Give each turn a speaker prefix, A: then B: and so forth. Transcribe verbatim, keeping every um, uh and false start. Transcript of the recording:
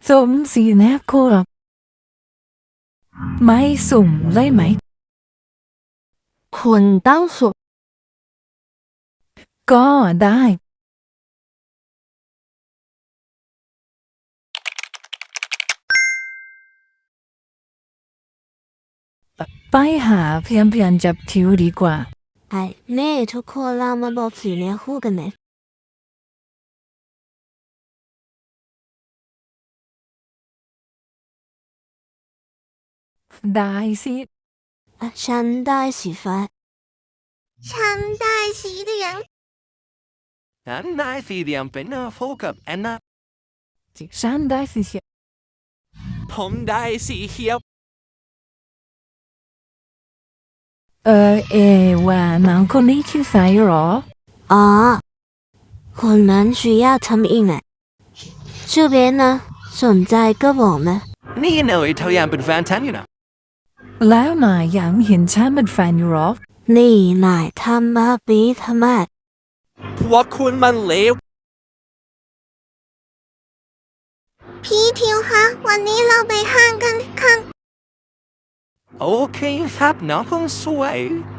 A: สมศรีนะครับไม่สุ่มเลยไหม
B: 捆当锁
A: ก็ได้ไปหาเพียงเพียงจับทิวดีกว่า
B: ไอ้เน่ทุกคนเรามาบอกสีเนี้ยคู่กันไหม
A: ได้สิ
B: อ่ะฉันได้สีฟ้า
C: ฉันได้สีเหลือง
D: ฉันได้สีเหลืองเป็นโฟกับแอนนา
A: ฉันได้สิเชีย
D: ผมได้สีเขียว
A: เออเอว่าน้องคนนี้ชื่อสายหรอ
B: อ๋อคนนั้น需要ทำอีกไหม这边呢สนใจก็บอกนะ
D: นี่หน่อยเท่ายังเป็นแฟนฉันอยู่นะ
A: แล้วนายยังเห็นฉันเป็นแฟนอยู่หรอ
B: นี่นายทำมาปีทำไม
D: พวกคุณมันเลว
C: พี่ทิวคะวันนี้เราไปห้างกันค่ะ
D: โอเคครับน้องคงสวย